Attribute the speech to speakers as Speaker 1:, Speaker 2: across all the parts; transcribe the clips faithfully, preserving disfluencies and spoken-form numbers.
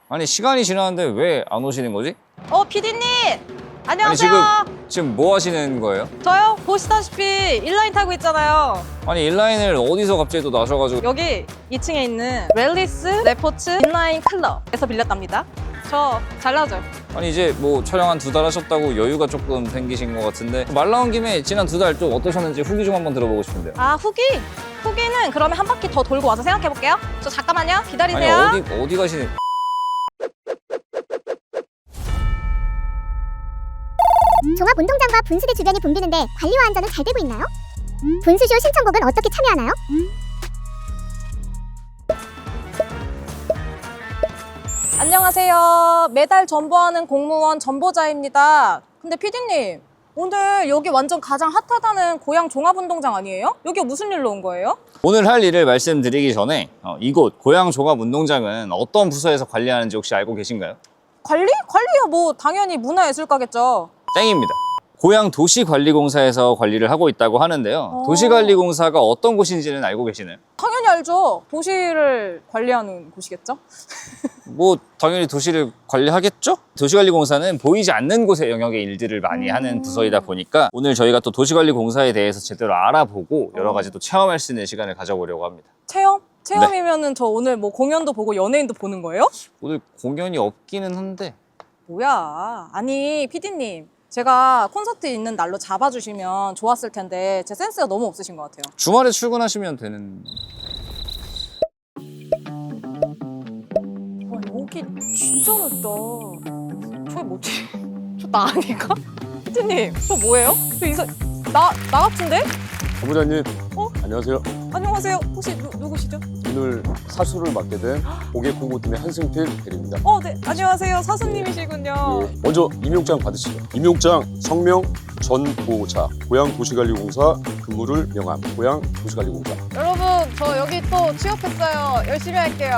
Speaker 1: 아니 시간이 지났는데 왜 안 오시는 거지?
Speaker 2: 어, 피디님!
Speaker 1: 아니
Speaker 2: 안녕하세요.
Speaker 1: 지금 지금 뭐 하시는 거예요?
Speaker 2: 저요? 보시다시피 인라인 타고 있잖아요.
Speaker 1: 아니 인라인을 어디서 갑자기 또 나셔가지고
Speaker 2: 여기 이 층에 있는 웰리스 레포츠 인라인 클럽에서 빌렸답니다. 저 잘 나죠?
Speaker 1: 아니 이제 뭐 촬영 한 두 달 하셨다고 여유가 조금 생기신 것 같은데 말 나온 김에 지난 두 달 좀 어떠셨는지 후기 좀 한번 들어보고 싶은데요.
Speaker 2: 아, 후기? 후기는 그러면 한 바퀴 더 돌고 와서 생각해볼게요. 저 잠깐만요.
Speaker 1: 아니
Speaker 2: 기다리세요.
Speaker 1: 어디 어디 가시는?
Speaker 3: 종합운동장과 분수대 주변이 붐비는데 관리와 안전은 잘 되고 있나요? 분수쇼 신청곡은 어떻게 참여하나요?
Speaker 2: 안녕하세요. 매달 전보하는 공무원 전보자입니다. 근데 피디님, 오늘 여기 완전 가장 핫하다는 고양 종합운동장 아니에요? 여기 무슨 일로 온 거예요?
Speaker 1: 오늘 할 일을 말씀드리기 전에 어, 이곳 고양 종합운동장은 어떤 부서에서 관리하는지 혹시 알고 계신가요?
Speaker 2: 관리? 관리야 뭐 당연히 문화예술가겠죠.
Speaker 1: 땡입니다. 고양도시관리공사에서 관리를 하고 있다고 하는데요.
Speaker 2: 어.
Speaker 1: 도시관리공사가 어떤 곳인지는 알고 계시나요?
Speaker 2: 당연히 알죠. 도시를 관리하는 곳이겠죠?
Speaker 1: 뭐 당연히 도시를 관리하겠죠? 도시관리공사는 보이지 않는 곳의 영역의 일들을 많이
Speaker 2: 음.
Speaker 1: 하는 부서이다 보니까 오늘 저희가 또 도시관리공사에 대해서 제대로 알아보고 여러 가지 또 체험할 수 있는 시간을 가져보려고 합니다.
Speaker 2: 체험? 체험이면은 저 오늘 뭐 공연도 보고 연예인도 보는 거예요?
Speaker 1: 오늘 공연이 없기는 한데
Speaker 2: 뭐야. 아니 피디님, 제가 콘서트 있는 날로 잡아주시면 좋았을 텐데 제 센스가 너무 없으신 것 같아요.
Speaker 1: 주말에 출근하시면 되는...
Speaker 2: 와, 여기 진짜 넓다. 저게 뭐지? 저 나 아닌가? 피디님, 저 뭐예요? 저 이사... 나, 나 같은데?
Speaker 4: 본부장님,
Speaker 2: 어?
Speaker 4: 안녕하세요.
Speaker 2: 안녕하세요. 혹시 누, 누구시죠?
Speaker 4: 오늘 사수를 맡게 된 고객공고팀의 한승필 대리입니다.
Speaker 2: 어, 네. 안녕하세요. 사수님이시군요.
Speaker 4: 예, 먼저 임용장 받으시죠. 임용장 성명 전보자 고양도시관리공사 근무를 명함 고양도시관리공사.
Speaker 2: 여러분, 저 여기 또 취업했어요. 열심히 할게요.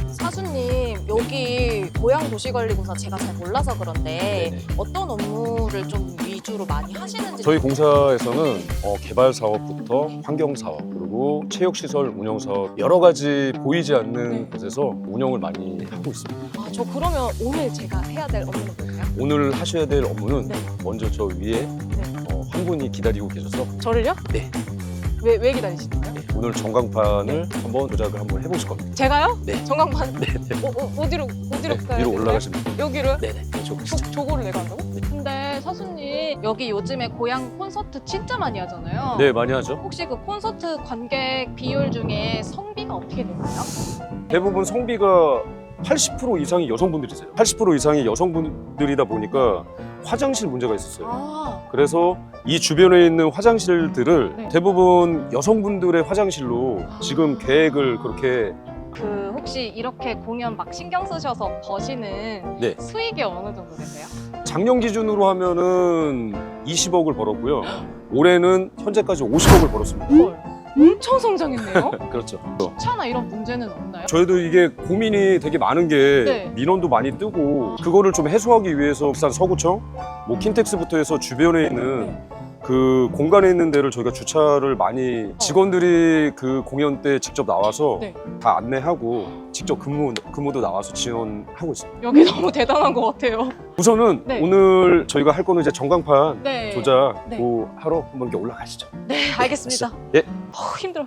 Speaker 2: 사수님, 여기 고양도시관리공사 제가 잘 몰라서 그런데
Speaker 4: 네네.
Speaker 2: 어떤 업무를 좀 위주로 많이 하시는지.
Speaker 4: 저희 공사에서는 어, 개발 사업부터 환경 사업 그리고 체육시설 운영 사업 여러 가지 보이지 않는
Speaker 2: 네.
Speaker 4: 곳에서 운영을 많이 하고 있습니다.
Speaker 2: 아, 저 그러면 오늘 제가 해야 될 업무는 뭘까요?
Speaker 4: 오늘 하셔야 될 업무는
Speaker 2: 네.
Speaker 4: 먼저 저 위에 어, 한 분이 기다리고 계셔서
Speaker 2: 저를요?
Speaker 4: 네.
Speaker 2: 왜, 왜 기다리시는 거예요?
Speaker 4: 네, 오늘 전광판을 한번 조작을 한번 해보실 겁니다.
Speaker 2: 제가요?
Speaker 4: 네.
Speaker 2: 전광판?
Speaker 4: 네, 네.
Speaker 2: 어, 어, 어디로, 어디로
Speaker 4: 네,
Speaker 2: 가야
Speaker 4: 위로
Speaker 2: 되나요?
Speaker 4: 올라가시면 됩니다.
Speaker 2: 여기로요?
Speaker 4: 네네, 이쪽으로
Speaker 2: 저,
Speaker 4: 가시죠.
Speaker 2: 저거를 내가 한다고?
Speaker 4: 네.
Speaker 2: 근데 사수님, 여기 요즘에 고양 콘서트 진짜 많이 하잖아요.
Speaker 4: 네, 많이 하죠.
Speaker 2: 혹시 그 콘서트 관객 비율 중에 성비가 어떻게 되나요?
Speaker 4: 대부분 성비가 팔십 퍼센트 이상이 여성분들이세요. 팔십 퍼센트 이상이 여성분들이다 보니까 화장실 문제가 있었어요.
Speaker 2: 아,
Speaker 4: 그래서 이 주변에 있는 화장실들을
Speaker 2: 네.
Speaker 4: 대부분 여성분들의 화장실로 지금 계획을 그렇게
Speaker 2: 그 혹시 이렇게 공연 막 신경 쓰셔서 버시는
Speaker 4: 네.
Speaker 2: 수익이 어느 정도 되세요?
Speaker 4: 작년 기준으로 하면은 이십억을 벌었고요. 올해는 현재까지 오십억을 벌었습니다.
Speaker 2: 헐, 엄청 성장했네요.
Speaker 4: 그렇죠.
Speaker 2: 차나 이런 문제는 없나요?
Speaker 4: 저희도 이게 고민이 되게 많은 게
Speaker 2: 네.
Speaker 4: 민원도 많이 뜨고 그거를 좀 해소하기 위해서 부산 서구청, 뭐 킨텍스부터 해서 주변에 있는
Speaker 2: 네.
Speaker 4: 그 공간에 있는 데를 저희가 주차를 많이 직원들이 그 공연 때 직접 나와서
Speaker 2: 네.
Speaker 4: 다 안내하고 직접 근무, 근무도 나와서 지원하고 있습니다.
Speaker 2: 여기 너무 대단한 것 같아요.
Speaker 4: 우선은
Speaker 2: 네.
Speaker 4: 오늘 저희가 할 거는 이제 전광판
Speaker 2: 네.
Speaker 4: 조작
Speaker 2: 네.
Speaker 4: 그 하러 한번 이렇게 올라가시죠.
Speaker 2: 네, 알겠습니다.
Speaker 4: 예.
Speaker 2: 어, 힘들어.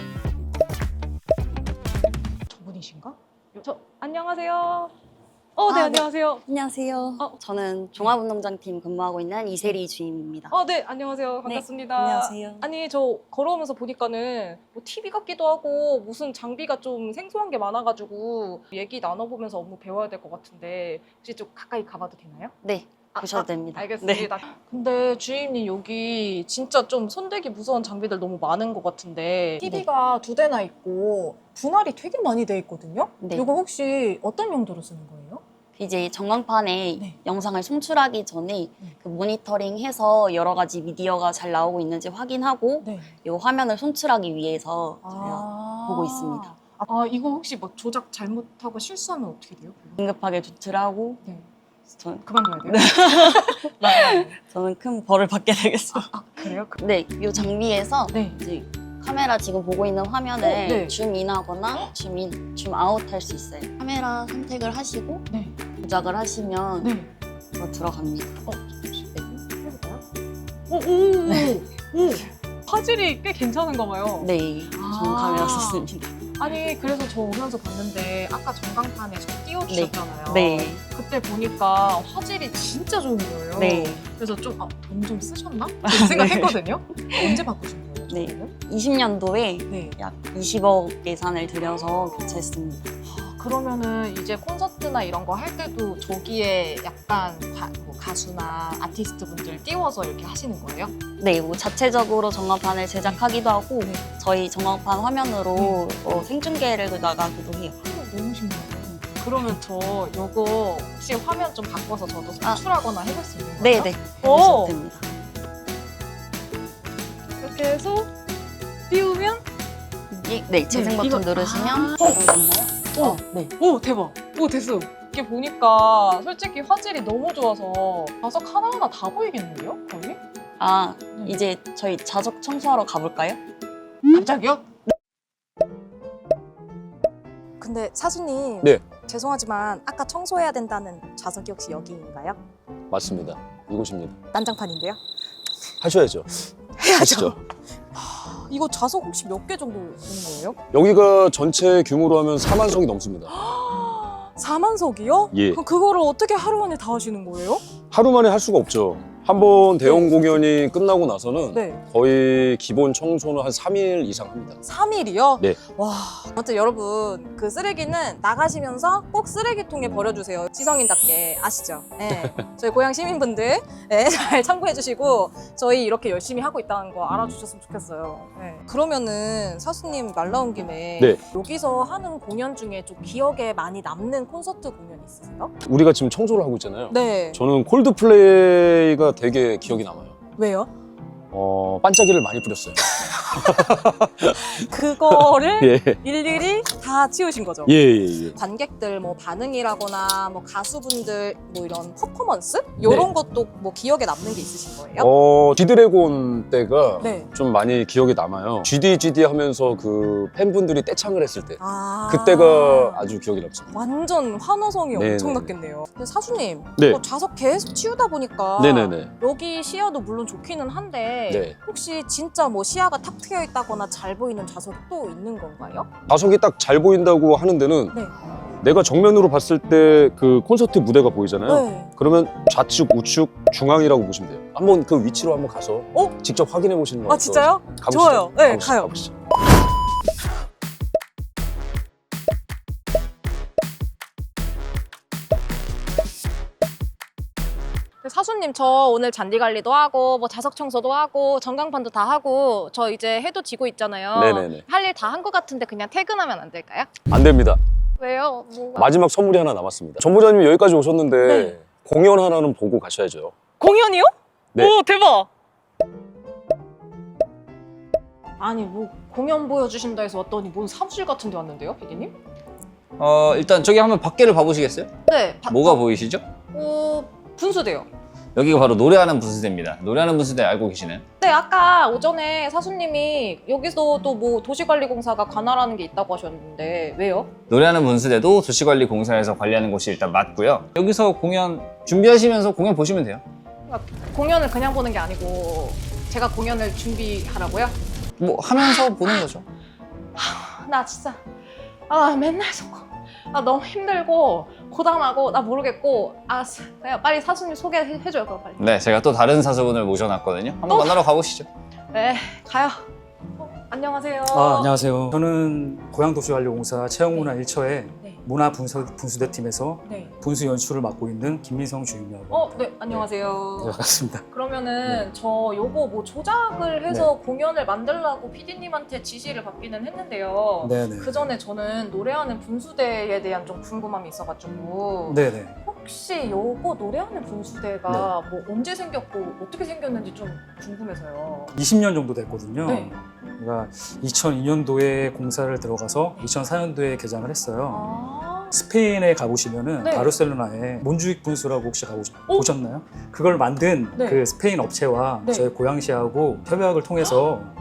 Speaker 2: 저분이신가? 저 안녕하세요. 어, 네,
Speaker 5: 아, 네.
Speaker 2: 안녕하세요.
Speaker 5: 안녕하세요.
Speaker 2: 어.
Speaker 5: 저는 종합운동장팀 근무하고 있는 이세리 주임입니다.
Speaker 2: 어, 네, 안녕하세요. 반갑습니다.
Speaker 5: 안녕하세요.
Speaker 2: 아니, 저 걸어오면서 보니까는 뭐 티비 같기도 하고 무슨 장비가 좀 생소한 게 많아가지고 얘기 나눠보면서 업무 배워야 될 것 같은데 혹시 좀 가까이 가봐도 되나요?
Speaker 5: 네,
Speaker 2: 아,
Speaker 5: 보셔도
Speaker 2: 아,
Speaker 5: 됩니다.
Speaker 2: 알겠습니다. 근데 주임님 여기 진짜 좀 손대기 무서운 장비들 너무 많은 것 같은데 티비가 두 대나 있고 분할이 되게 많이 돼 있거든요?
Speaker 5: 네.
Speaker 2: 이거 혹시 어떤 용도로 쓰는 거예요?
Speaker 5: 이제 전광판에
Speaker 2: 네.
Speaker 5: 영상을 송출하기 전에
Speaker 2: 네.
Speaker 5: 그 모니터링해서 여러 가지 미디어가 잘 나오고 있는지 확인하고
Speaker 2: 네.
Speaker 5: 이 화면을 송출하기 위해서 저희가
Speaker 2: 아.
Speaker 5: 보고 있습니다.
Speaker 2: 아, 이거 혹시 뭐 조작 잘못하고 실수하면 어떻게 돼요?
Speaker 5: 긴급하게 조치하고
Speaker 2: 네.
Speaker 5: 전,
Speaker 2: 그만둬야 돼요? 나-
Speaker 5: 저는 큰 벌을 받게 되겠습니다.
Speaker 2: 아, 그래요?
Speaker 5: 네, 이 장비에서
Speaker 2: 네.
Speaker 5: 이제 카메라 지금 보고 있는 화면을
Speaker 2: 어, 네.
Speaker 5: 줌인하거나 줌인, 줌아웃 할 수 있어요. 카메라 선택을 하시고
Speaker 2: 네.
Speaker 5: 조작을 하시면
Speaker 2: 네.
Speaker 5: 뭐 들어갑니다.
Speaker 2: 어, 잠시만요. 해볼까요? 오, 오, 오, 오. 화질이 꽤 괜찮은가 봐요.
Speaker 5: 네,
Speaker 2: 아.
Speaker 5: 줌 카메라 썼습니다.
Speaker 2: 아니 그래서 저 오면서 봤는데 아까 전광판에 저 띄워주셨잖아요.
Speaker 5: 네.
Speaker 2: 그때 보니까 화질이 진짜 좋은 거예요.
Speaker 5: 네.
Speaker 2: 그래서 좀 아, 돈 좀 쓰셨나? 이런 생각했거든요. 언제 바꾸신 거예요?
Speaker 5: 네.
Speaker 2: 저거는?
Speaker 5: 이십 년도에
Speaker 2: 네.
Speaker 5: 약 이십억 예산을 들여서 교체했습니다.
Speaker 2: 그러면은 이제 콘서트나 이런 거 할 때도 저기에 약간 가, 뭐 가수나 아티스트 분들 띄워서 이렇게 하시는 거예요?
Speaker 5: 네, 뭐 자체적으로 전광판을 제작하기도 하고
Speaker 2: 네.
Speaker 5: 저희 전광판 화면으로 어, 생중계를 나가기도 해요.
Speaker 2: 너무 신기해요. 그러면 저 요거 혹시 화면 좀 바꿔서 저도
Speaker 5: 아.
Speaker 2: 송출하거나 해볼 수 있는 거예요?
Speaker 5: 네, 네.
Speaker 2: 오!
Speaker 5: 해보셔도 됩니다.
Speaker 2: 이렇게 해서 띄우면
Speaker 5: 이- 네, 재생
Speaker 2: 네,
Speaker 5: 버튼
Speaker 2: 이거-
Speaker 5: 누르시면
Speaker 2: 아.
Speaker 5: 들어갔나요?
Speaker 2: 어,
Speaker 5: 네.
Speaker 2: 오 대박! 오 됐어! 이게 보니까 솔직히 화질이 너무 좋아서 좌석 하나하나 다 보이겠는데요? 거의?
Speaker 5: 아,
Speaker 2: 네.
Speaker 5: 이제 저희 좌석 청소하러 가볼까요?
Speaker 2: 갑자기요? 근데 사수님
Speaker 4: 네.
Speaker 2: 죄송하지만 아까 청소해야 된다는 좌석이 혹시 여기인가요?
Speaker 4: 맞습니다. 이곳입니다.
Speaker 2: 난장판인데요?
Speaker 4: 하셔야죠. 하시죠.
Speaker 2: 이거 좌석 혹시 몇 개 정도 되는 거예요?
Speaker 4: 여기가 전체 규모로 하면 사만석이 넘습니다.
Speaker 2: 사만석이요?
Speaker 4: 예.
Speaker 2: 그럼 그거를 어떻게 하루 만에 다 하시는 거예요?
Speaker 4: 하루 만에 할 수가 없죠. 한 번 대형 공연이 끝나고 나서는
Speaker 2: 네.
Speaker 4: 거의 기본 청소는 한 삼 일 이상 합니다.
Speaker 2: 삼 일이요?
Speaker 4: 네.
Speaker 2: 와. 아무튼 여러분 그 쓰레기는 나가시면서 꼭 쓰레기통에 버려주세요. 지성인답게 아시죠? 네. 저희 고향 시민분들 네, 잘 참고해 주시고 저희 이렇게 열심히 하고 있다는 거 알아주셨으면 좋겠어요. 네. 그러면은 사수님 말 나온 김에
Speaker 4: 네.
Speaker 2: 여기서 하는 공연 중에 좀 기억에 많이 남는 콘서트 공연 있으세요?
Speaker 4: 우리가 지금 청소를 하고 있잖아요.
Speaker 2: 네.
Speaker 4: 저는 콜드플레이가 되게 기억이 남아요.
Speaker 2: 왜요?
Speaker 4: 어, 반짝이를 많이 뿌렸어요.
Speaker 2: 그거를
Speaker 4: 예.
Speaker 2: 일일이 다 치우신 거죠?
Speaker 4: 예, 예, 예.
Speaker 2: 관객들 뭐 반응이라거나 뭐 가수분들 뭐 이런 퍼포먼스 이런
Speaker 4: 네.
Speaker 2: 것도 뭐 기억에 남는 게 있으신 거예요?
Speaker 4: 어, G드래곤 때가
Speaker 2: 네.
Speaker 4: 좀 많이 기억에 남아요. 지디 지디 하면서 그 팬분들이 떼창을 했을 때
Speaker 2: 아
Speaker 4: 그때가 아주 기억에 남습니다.
Speaker 2: 완전 환호성이
Speaker 4: 네네.
Speaker 2: 엄청났겠네요. 근데 사수님
Speaker 4: 네.
Speaker 2: 뭐 좌석 계속 치우다 보니까
Speaker 4: 네네네.
Speaker 2: 여기 시야도 물론 좋기는 한데
Speaker 4: 네.
Speaker 2: 혹시 진짜 뭐 시야가 탁 트여 있다거나 잘 보이는 좌석이 또 있는 건가요?
Speaker 4: 좌석이 딱 잘 보인다고 하는 데는
Speaker 2: 네.
Speaker 4: 내가 정면으로 봤을 때 그 콘서트 무대가 보이잖아요.
Speaker 2: 네.
Speaker 4: 그러면 좌측, 우측, 중앙이라고 보시면 돼요. 한번 그 위치로 한번 가서
Speaker 2: 어?
Speaker 4: 직접 확인해 보시는 거
Speaker 2: 아 진짜요?
Speaker 4: 가보시죠.
Speaker 2: 좋아요. 네,
Speaker 4: 가보시죠.
Speaker 2: 가요.
Speaker 4: 가보시죠.
Speaker 2: 사수님 저 오늘 잔디 관리도 하고 뭐 좌석 청소도 하고 전광판도 다 하고 저 이제 해도 지고 있잖아요.
Speaker 4: 네네네.
Speaker 2: 할 일 다 한 것 같은데 그냥 퇴근하면 안 될까요?
Speaker 4: 안 됩니다.
Speaker 2: 왜요? 뭐가?
Speaker 4: 마지막 선물이 하나 남았습니다. 전부장님이 여기까지 오셨는데
Speaker 2: 네.
Speaker 4: 공연 하나는 보고 가셔야죠.
Speaker 2: 공연이요?
Speaker 4: 네.
Speaker 2: 오 대박! 아니 뭐 공연 보여주신다 해서 왔더니 뭔 사무실 같은 데 왔는데요, 피디님?
Speaker 1: 어, 일단 저기 한번 밖에를 봐보시겠어요?
Speaker 2: 네. 바-
Speaker 1: 뭐가
Speaker 2: 어,
Speaker 1: 보이시죠?
Speaker 2: 어, 분수대요.
Speaker 1: 여기가 바로 노래하는 분수대입니다. 노래하는 분수대 알고 계시나요?
Speaker 2: 네, 아까 오전에 사수님이 여기서 또 뭐 도시관리공사가 관할하는 게 있다고 하셨는데 왜요?
Speaker 1: 노래하는 분수대도 도시관리공사에서 관리하는 곳이 일단 맞고요. 여기서 공연 준비하시면서 공연 보시면 돼요.
Speaker 2: 공연을 그냥 보는 게 아니고 제가 공연을 준비하라고요?
Speaker 1: 뭐 하면서 보는 거죠.
Speaker 2: 나 진짜 아 맨날 속고 아 너무 힘들고 고단하고 나 모르겠고 아 그냥 빨리 사수님 소개해줘요 그럼 빨리.
Speaker 1: 네, 제가 또 다른 사수분을 모셔놨거든요. 한번 만나러 가보시죠.
Speaker 2: 네 가요. 어, 안녕하세요.
Speaker 6: 아, 안녕하세요. 저는 고양도시관리공사 채용문화 일 처의
Speaker 2: 네.
Speaker 6: 문화분수대팀에서
Speaker 2: 네.
Speaker 6: 분수 연출을 맡고 있는 김민성 주임이라고
Speaker 2: 어,
Speaker 6: 합니다.
Speaker 2: 네 안녕하세요.
Speaker 6: 네, 반갑습니다.
Speaker 2: 그러면은 저 요거 뭐 조작을 해서 공연을 만들라고 피디님한테 지시를 받기는 했는데요.
Speaker 6: 네네.
Speaker 2: 그 전에 저는 노래하는 분수대에 대한 좀 궁금함이 있어가지고
Speaker 6: 네네.
Speaker 2: 혹시 요거 노래하는 분수대가 뭐 언제 생겼고 어떻게 생겼는지 좀 궁금해서요.
Speaker 6: 이십 년 정도 됐거든요.
Speaker 2: 네.
Speaker 6: 제가 이천이 년도에 공사를 들어가서 이천사 년도에 개장을 했어요.
Speaker 2: 아,
Speaker 6: 스페인에 가보시면은
Speaker 2: 네.
Speaker 6: 바르셀로나에 몬주익 분수라고 혹시 가보셨,
Speaker 2: 오!
Speaker 6: 보셨나요? 그걸 만든
Speaker 2: 네.
Speaker 6: 그 스페인 업체와
Speaker 2: 네.
Speaker 6: 저희 고양시하고 협약을 통해서 어,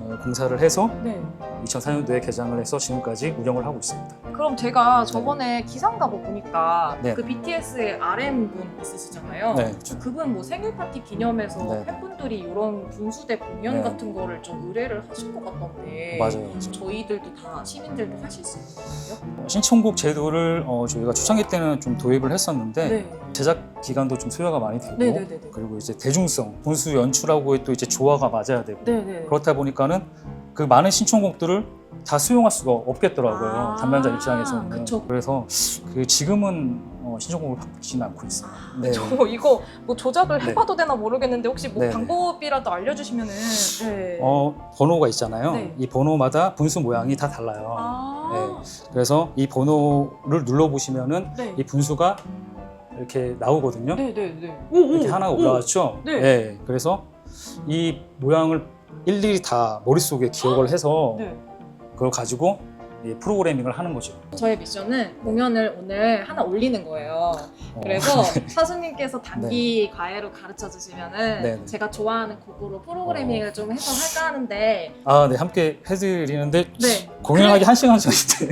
Speaker 6: 어, 공사를 해서
Speaker 2: 네.
Speaker 6: 이천사 년도에 개장을 해서 지금까지 운영을 하고 있습니다.
Speaker 2: 그럼 제가 저번에 기상가 뭐 보니까
Speaker 6: 네.
Speaker 2: 그 비티에스의 알엠 분 있으시잖아요.
Speaker 6: 네.
Speaker 2: 그분 뭐 생일 파티 기념해서
Speaker 6: 네.
Speaker 2: 팬분들이 이런 분수대 공연
Speaker 6: 네.
Speaker 2: 같은 거를 좀 의뢰를 하신 것 같던데.
Speaker 6: 맞아요.
Speaker 2: 저희들도 다 시민들도 하실 수 있는 거예요?
Speaker 6: 신청곡 제도를 어, 저희가 초창기 때는 좀 도입을 했었는데
Speaker 2: 네.
Speaker 6: 제작 기간도 좀 소요가 많이 되고
Speaker 2: 네네네네.
Speaker 6: 그리고 이제 대중성, 분수 연출하고 또 이제 조화가 맞아야 되고
Speaker 2: 네네.
Speaker 6: 그렇다 보니까는 그 많은 신청곡들을 다 수용할 수가 없겠더라고요.
Speaker 2: 아,
Speaker 6: 담당자 입장에서는.
Speaker 2: 그쵸.
Speaker 6: 그래서 그 지금은 어, 신청곡을 바꾸지는 않고 있어요. 네.
Speaker 2: 저 이거 뭐 조작을
Speaker 6: 네.
Speaker 2: 해봐도 되나 모르겠는데 혹시 뭐
Speaker 6: 네네.
Speaker 2: 방법이라도 알려주시면은. 네.
Speaker 6: 어, 번호가 있잖아요.
Speaker 2: 네.
Speaker 6: 이 번호마다 분수 모양이 다 달라요.
Speaker 2: 아.
Speaker 6: 그래서 이 번호를 눌러보시면은
Speaker 2: 네.
Speaker 6: 이 분수가 이렇게 나오거든요.
Speaker 2: 네네네.
Speaker 6: 이렇게 하나가 올라왔죠?
Speaker 2: 네.
Speaker 6: 네. 그래서 이 모양을 일일이 다 머릿속에 기억을 해서
Speaker 2: 네.
Speaker 6: 그걸 가지고 이 프로그래밍을 하는 거죠.
Speaker 2: 저의 미션은 공연을 오늘 하나 올리는 거예요.
Speaker 6: 어,
Speaker 2: 그래서 사수님께서 단기 과외로 가르쳐 주시면은
Speaker 6: 네, 네.
Speaker 2: 제가 좋아하는 곡으로 프로그래밍을 좀 해서 할까 하는데.
Speaker 6: 아, 네. 함께 해드리는데
Speaker 2: 네.
Speaker 6: 공연하기 한 시간 전인데.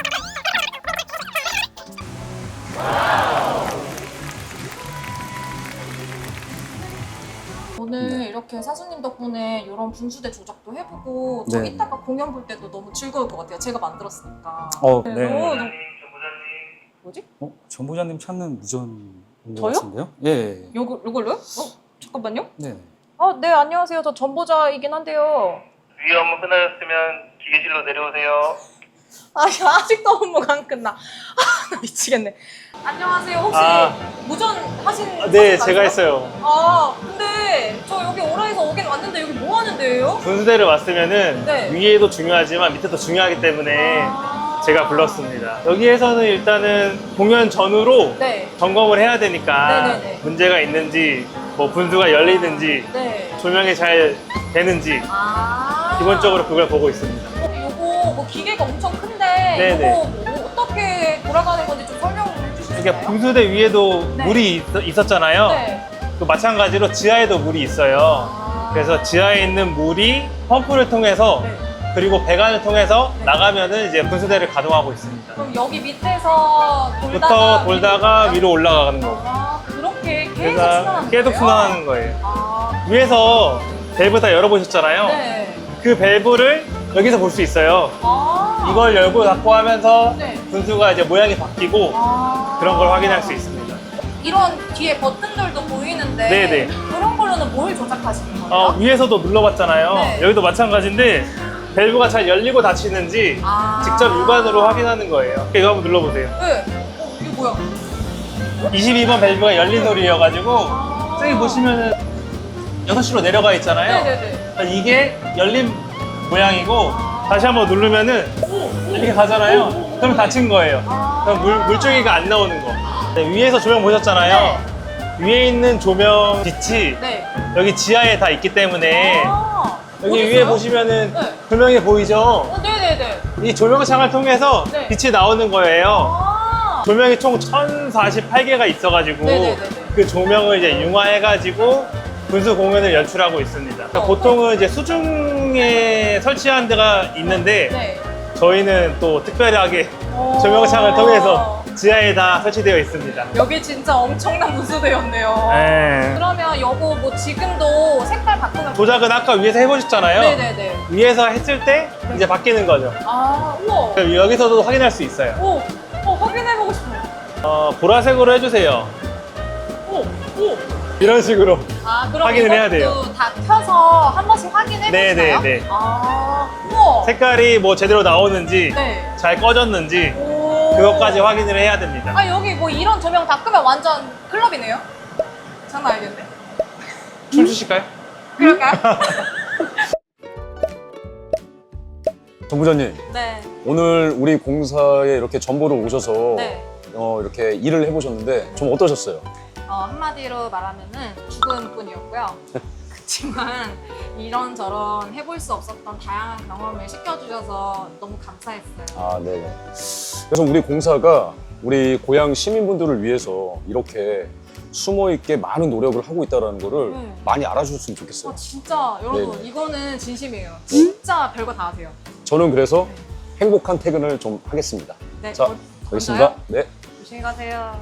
Speaker 2: 오늘
Speaker 6: 네.
Speaker 2: 이렇게 사수님 덕분에 이런 분수대 조작도 해보고 저
Speaker 6: 네.
Speaker 2: 이따가 공연 볼 때도 너무 즐거울 것 같아요. 제가 만들었으니까.
Speaker 6: 어,
Speaker 2: 네,
Speaker 6: 네.
Speaker 2: 너무, 너무... 뭐지?
Speaker 6: 어, 전부장님 찾는 무전인 것
Speaker 2: 저요?
Speaker 6: 같은데요? 예.
Speaker 2: 요거, 요걸로요? 어? 잠깐만요.
Speaker 6: 네.
Speaker 2: 아, 네, 안녕하세요. 저 전보자이긴 한데요.
Speaker 7: 위에 업무 끝나셨으면 기계실로 내려오세요.
Speaker 2: 아, 아직도 업무가 안 끝나. 아, 나 미치겠네. 안녕하세요. 혹시
Speaker 7: 아.
Speaker 2: 무전 하신
Speaker 7: 네,
Speaker 2: 사진
Speaker 7: 제가
Speaker 2: 맞으세요?
Speaker 7: 했어요.
Speaker 2: 아, 근데 저 여기 오라에서 오긴 왔는데 여기 뭐 하는 데예요?
Speaker 7: 분수대를 왔으면은
Speaker 2: 네.
Speaker 7: 위에도 중요하지만 밑에도 중요하기 때문에
Speaker 2: 아.
Speaker 7: 제가 불렀습니다. 여기에서는 일단은 공연 전후로
Speaker 2: 네.
Speaker 7: 점검을 해야 되니까
Speaker 2: 네네네.
Speaker 7: 문제가 있는지, 뭐 분수가 열리는지,
Speaker 2: 네.
Speaker 7: 조명이 잘 되는지
Speaker 2: 아.
Speaker 7: 기본적으로 그걸 보고 있습니다.
Speaker 2: 어, 요거 뭐 기계가 엄청 큰데
Speaker 7: 네네.
Speaker 2: 요거 뭐 어떻게 돌아가는 건지 좀 설명을 해주실 수
Speaker 7: 이게
Speaker 2: 있나요?
Speaker 7: 분수대 위에도
Speaker 2: 네.
Speaker 7: 물이 있, 있었잖아요.
Speaker 2: 네.
Speaker 7: 또 마찬가지로 지하에도 물이 있어요.
Speaker 2: 아.
Speaker 7: 그래서 지하에 있는 물이 펌프를 통해서
Speaker 2: 네.
Speaker 7: 그리고 배관을 통해서
Speaker 2: 네.
Speaker 7: 나가면은 이제 분수대를 가동하고 있습니다.
Speaker 2: 그럼 여기 밑에서 돌다가
Speaker 7: 부터 돌다가
Speaker 2: 위로
Speaker 7: 위로 올라가는 거고.
Speaker 2: 아, 그렇게 계속
Speaker 7: 그래서
Speaker 2: 순환하는
Speaker 7: 계속
Speaker 2: 거예요?
Speaker 7: 순환하는 거예요.
Speaker 2: 아,
Speaker 7: 위에서 밸브 다 열어보셨잖아요.
Speaker 2: 네.
Speaker 7: 그 밸브를 여기서 볼 수 있어요.
Speaker 2: 아.
Speaker 7: 이걸 열고 닫고 하면서
Speaker 2: 네.
Speaker 7: 분수가 이제 모양이 바뀌고
Speaker 2: 아.
Speaker 7: 그런 걸 확인할 수 있습니다.
Speaker 2: 이런 뒤에 버튼들도 보이는데
Speaker 7: 네네.
Speaker 2: 그런 걸로는 뭘 조작하시는 거예요?
Speaker 7: 어, 위에서도 눌러봤잖아요.
Speaker 2: 네.
Speaker 7: 여기도 마찬가지인데 밸브가 잘 열리고 닫히는지
Speaker 2: 아.
Speaker 7: 직접 육안으로 확인하는 거예요. 이거 한번 눌러보세요.
Speaker 2: 네. 어, 이게 뭐야?
Speaker 7: 이십이 번 밸브가 열린 홀이어가지고
Speaker 2: 아.
Speaker 7: 저기 보시면은 여섯 시로 내려가 있잖아요.
Speaker 2: 네네네.
Speaker 7: 이게 열린 모양이고 다시 한번 누르면은 이렇게 가잖아요. 그럼 닫힌 거예요. 그럼 물, 물줄기가 안 나오는 거. 네, 위에서 조명 보셨잖아요. 위에 있는 조명 빛이
Speaker 2: 네.
Speaker 7: 여기 지하에 다 있기 때문에
Speaker 2: 아.
Speaker 7: 여기
Speaker 2: 어디
Speaker 7: 위에
Speaker 2: 있어요?
Speaker 7: 보시면은
Speaker 2: 네.
Speaker 7: 조명이 보이죠?
Speaker 2: 어, 네네네.
Speaker 7: 이 조명창을 통해서
Speaker 2: 네.
Speaker 7: 빛이 나오는 거예요.
Speaker 2: 아.
Speaker 7: 조명이 총 천사십팔 개가 있어가지고
Speaker 2: 네네네네.
Speaker 7: 그 조명을 이제 융화해가지고 분수 공연을 연출하고 있습니다. 그러니까
Speaker 2: 어.
Speaker 7: 보통은 이제 수중에 설치한 데가 있는데
Speaker 2: 네.
Speaker 7: 저희는 또 특별하게
Speaker 2: 어.
Speaker 7: 조명창을 통해서 지하에 다 설치되어 있습니다.
Speaker 2: 여기 진짜 엄청난 분수대였네요.
Speaker 7: 네.
Speaker 2: 그러면 요거 뭐 지금도 색깔 바꾸면
Speaker 7: 조작은 아까 위에서 해보셨잖아요.
Speaker 2: 네네네.
Speaker 7: 위에서 했을 때 이제 바뀌는 거죠.
Speaker 2: 아, 우와.
Speaker 7: 그럼 여기서도 확인할 수 있어요.
Speaker 2: 오, 어, 확인해보고 싶어요.
Speaker 7: 어, 보라색으로 해주세요.
Speaker 2: 오, 오.
Speaker 7: 이런 식으로.
Speaker 2: 아, 그럼
Speaker 7: 확인을 해야 돼요.
Speaker 2: 이것도 다 켜서 한 번씩 확인해
Speaker 7: 네,
Speaker 2: 보시나요?
Speaker 7: 네, 네.
Speaker 2: 아, 우와.
Speaker 7: 색깔이 뭐 제대로 나오는지
Speaker 2: 네.
Speaker 7: 잘 꺼졌는지
Speaker 2: 오.
Speaker 7: 그것까지 확인을 해야 됩니다.
Speaker 2: 아, 여기 뭐 이런 조명 다 끄면 완전 클럽이네요? 장난 아니겠네.
Speaker 7: 춤추실까요?
Speaker 2: 그럴까요?
Speaker 4: 정 부장님,
Speaker 2: 네.
Speaker 4: 오늘 우리 공사에 이렇게 전보를 오셔서
Speaker 2: 네.
Speaker 4: 어, 이렇게 일을 해보셨는데 좀 어떠셨어요?
Speaker 2: 어, 한마디로 말하면은 죽은 뿐이었고요. 그렇지만 이런저런 해볼 수 없었던 다양한 경험을 시켜주셔서 너무 감사했어요.
Speaker 4: 아, 네. 그래서 우리 공사가 우리 고향 시민분들을 위해서 이렇게 숨어 있게 많은 노력을 하고 있다는 거를
Speaker 2: 네.
Speaker 4: 많이 알아주셨으면 좋겠어요.
Speaker 2: 아, 진짜 여러분
Speaker 4: 네네.
Speaker 2: 이거는 진심이에요. 진짜 별거 다 하세요.
Speaker 4: 저는 그래서 행복한 퇴근을 좀 하겠습니다.
Speaker 2: 네,
Speaker 4: 자,
Speaker 2: 어,
Speaker 4: 가겠습니다.
Speaker 2: 먼저요?
Speaker 4: 네.
Speaker 2: 조심히 가세요.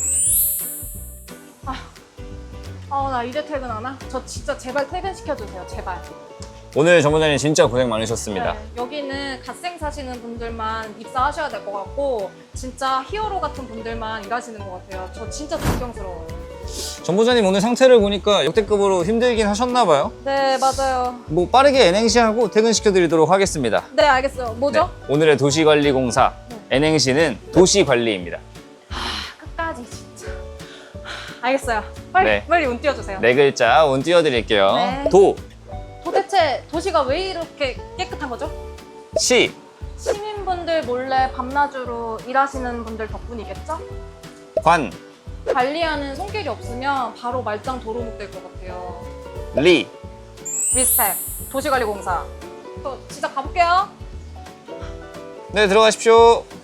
Speaker 2: 아, 아, 나 이제 퇴근하나? 저 진짜 제발 퇴근시켜주세요, 제발.
Speaker 1: 오늘 전부장님 진짜 고생 많으셨습니다.
Speaker 2: 네, 여기는 갓생 사시는 분들만 입사하셔야 될 것 같고 진짜 히어로 같은 분들만 일하시는 것 같아요. 저 진짜 존경스러워요.
Speaker 1: 전부장님 오늘 상태를 보니까 역대급으로 힘들긴 하셨나 봐요.
Speaker 2: 네, 맞아요.
Speaker 1: 뭐 빠르게 엔행시하고 퇴근시켜드리도록 하겠습니다.
Speaker 2: 네, 알겠어요. 뭐죠?
Speaker 1: 네, 오늘의 도시관리공사 엔행시는 도시관리입니다.
Speaker 2: 끝까지 진짜. 알겠어요. 빨리,
Speaker 1: 네.
Speaker 2: 빨리 운 띄워주세요.
Speaker 1: 네 글자 운 띄워드릴게요.
Speaker 2: 네.
Speaker 1: 도,
Speaker 2: 도대체 도시가 왜 이렇게 깨끗한 거죠?
Speaker 1: 시,
Speaker 2: 시민분들 몰래 밤낮으로 일하시는 분들 덕분이겠죠?
Speaker 1: 관,
Speaker 2: 관리하는 손길이 없으면 바로 말짱 도루묵 될 것 같아요.
Speaker 1: 리.
Speaker 2: 리스펙 도시관리공사. 저 진짜 가볼게요.
Speaker 1: 네 들어가십시오.